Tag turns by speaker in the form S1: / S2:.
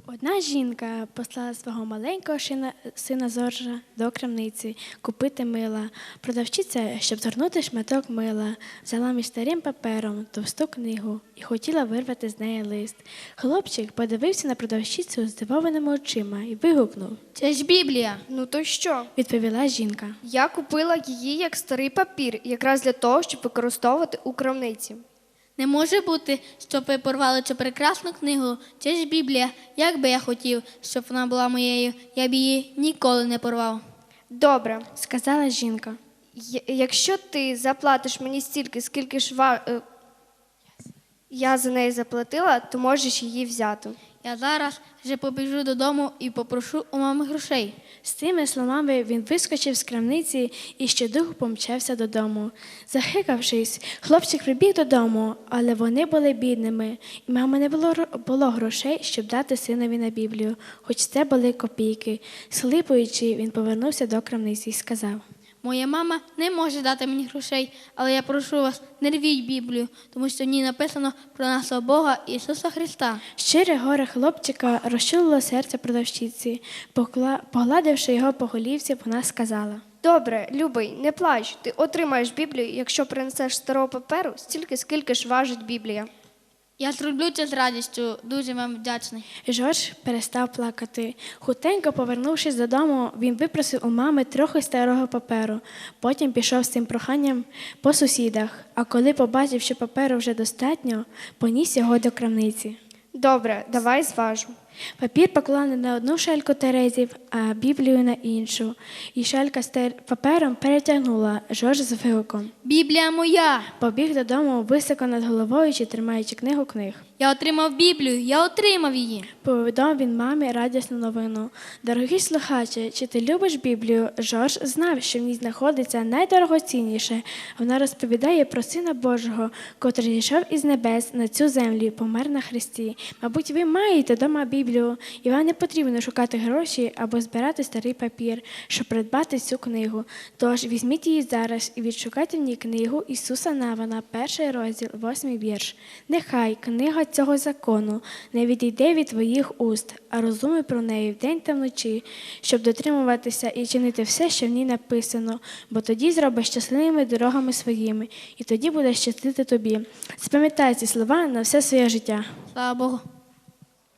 S1: Одна жінка послала свого маленького сина Зоржа до крамниці купити мила. Продавчиця, щоб згорнути шматок мила, взяла між старим папером товсту книгу і хотіла вирвати з неї лист. Хлопчик подивився на продавчицю здивованими очима і вигукнув.
S2: Це ж Біблія.
S3: Ну то що?
S1: Відповіла жінка.
S3: Я купила її як старий папір, якраз для того, щоб використовувати у крамниці.
S2: Не може бути, щоб ви порвали цю прекрасну книгу. Це ж Біблія. Як би я хотів, щоб вона була моєю, я б її ніколи не порвав.
S3: Добре,
S1: Сказала жінка.
S3: якщо ти заплатиш мені стільки, скільки ж я за неї заплатила, то можеш її взяти.
S2: Я зараз вже побіжу додому і попрошу у мами грошей.
S1: З цими словами він вискочив з крамниці і щодуху помчався додому. Захикавшись, хлопчик прибіг додому, але вони були бідними, і мама не було грошей, щоб дати синові на Біблію, хоч це були копійки. Схлипуючи, він повернувся до крамниці і сказав.
S2: Моя мама не може дати мені грошей, але я прошу вас, не рвіть Біблію, тому що в ній написано про нашого Бога Ісуса Христа.
S1: Щире горе хлопчика розчулило серце продавщиці. Погладивши його по голівці, вона сказала.
S3: Добре, любий, не плач, ти отримаєш Біблію, якщо принесеш старого паперу, стільки, скільки ж важить Біблія.
S2: Я зроблю це з радістю, дуже вам вдячний.
S1: Жорж перестав плакати. Хутенько повернувшись додому, він випросив у мами трохи старого паперу. Потім пішов з цим проханням по сусідах, а коли побачив, що паперу вже достатньо, поніс його до крамниці.
S3: Добре, давай зважу.
S1: Папір поклав не на одну шальку терезів, а Біблію на іншу. І шалька з папером перетягнула Жорж з вигуком.
S2: Біблія моя!
S1: Побіг додому високо над головою, чи тримаючи книг.
S2: Я отримав Біблію, я отримав її.
S1: Повідомив він мамі радісну новину. Дорогі слухачі, чи ти любиш Біблію? Жорж знав, що в ній знаходиться найдорогоцінніше. Вона розповідає про Сина Божого, котрий зійшов із небес на цю землю і помер на хресті. Мабуть, ви маєте дома Біблію, і вам не потрібно шукати гроші або збирати старий папір, щоб придбати цю книгу. Тож візьміть її зараз і відшукайте в ній книгу Ісуса Навина, 1 розділ, 8 вірш. Нехай книга цього закону не відійде від твоїх уст, а розумуй про неї вдень та вночі, щоб дотримуватися і чинити все, що в ній написано, бо тоді зробиш щасливими дорогами своїми, і тоді буде щастити тобі. Запам'ятай ці слова на все своє життя.
S2: Слава Богу.